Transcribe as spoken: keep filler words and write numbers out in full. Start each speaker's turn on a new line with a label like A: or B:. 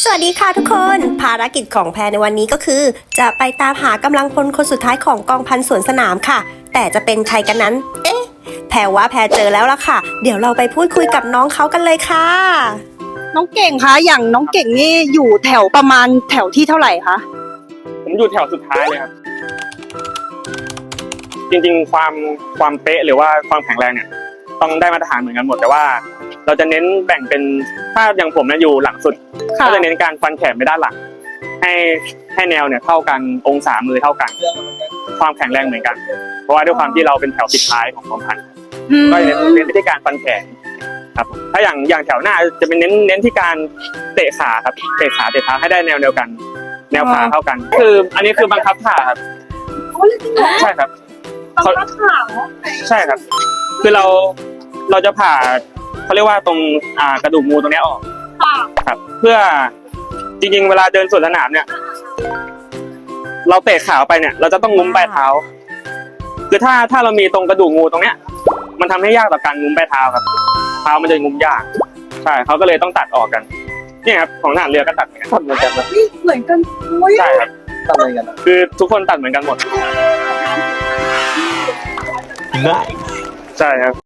A: สวัสดีค่ะทุกคนภารกิจของแพรในวันนี้ก็คือ จะไปตามหากำลังพลคนสุดท้ายของกองพันสวนสนามค่ะแต่จะเป็นใครกันนั้นเอ๊ะแพรว่าแพรเจอแล้วล่ะค่ะเดี๋ยวเราไปพูดคุยกับน้องเขากันเลยค่ะ
B: น้องเก่งคะอย่างน้องเก่งนี่อยู่แถวประมาณแถวที่เท่าไหร่คะ
C: ผมอยู่แถวสุดท้ายเลยครับจริงๆความความเป๊ะหรือว่าความแข็งแรงเนี่ยต้องได้มาตรฐานเหมือนกันหมดแต่ว่าเราจะเน้นแบ่งเป็นถ้าอย่างผมเนี่ยอยู่หลังสุดก็จะเน้นการฟันแขนไปด้านหลังให้ให้แนวเนี่ยเท่ากันองศามือเท่ากันความแข็งแรงเหมือนกัน เพราะว่าด้วยความที่เราเป็นแถวสุดท้ายของกองพันก็จะเน้นเน้นไปที่การฟันแขนครับถ้าอย่างอย่างแถวหน้าจะเป็นเน้นเน้นที่การเตะขาครับเตะขาเตะเท้าให้ได้แนวเดียวกัน แนวขาเท่ากัน คืออันนี้คือบังคับผ่าครับใช่ครับบังคับผ่าใช่ครับ คือเราเราจะผ่าเขาเรียกว่าตรงอ่ากระดูกงูตรงนี้ออกครับเพื่อจริงๆเวลาเดินสวนสนามเนี่ยเราเตะขาไปเนี่ยเราจะต้องงุ้มปลายเท้าคือถ้าถ้าเรามีตรงกระดูกงูตรงเนี้ยมันทำให้ยากต่อการงุ้มปลายเท้าครับเท้ามันจะงุ้มยากใช่เขาก็เลยต้องตัดออกกันเนี่ยครับของทหารเรือก็ตัดเหมือนกันเหมือนกัน
B: เหมือนกัน
C: ใช่ครับตัดเหมือนกันคือทุกคนตัดเหมือนกันหมดใช่ครับ